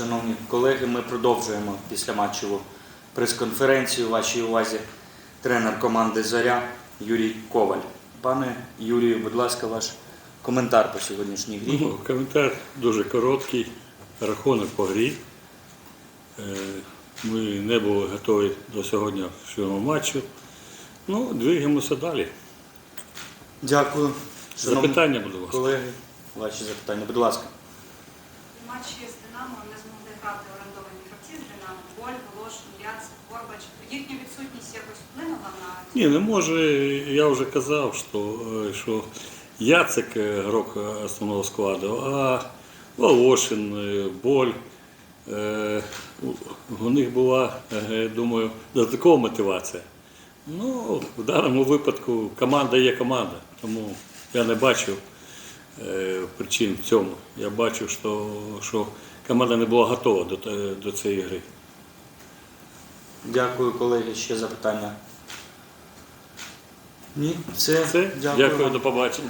Шановні колеги, ми продовжуємо післяматчеву прес-конференцію. Вашій увазі тренер команди «Зоря» Юрій Коваль. Пане Юрію, будь ласка, ваш коментар по сьогоднішній грі. Коментар дуже короткий. Рахунок по грі. Ми не були готові до сьогоднішнього матчу. Двигаємося далі. Дякую. Шановні Запитання, будь ласка. колеги, ваші запитання, будь ласка. У матчі з «Динамо» не змогли грати орендовані гравці з «Динамо». Боль, Волошин, Яцик, Горбач. Їхня відсутність якось вплинула на... Ні, не може. Я вже казав, що Яцик грок основного складу, а Волошин, Боль. У них була, думаю, додаткова мотивація. В даному випадку команда є команда, тому я не бачив причин в цьому. Я бачу, що команда не була готова до цієї гри. Дякую, колеги. Ще запитання? Ні? Все. Дякую, вам. до побачення.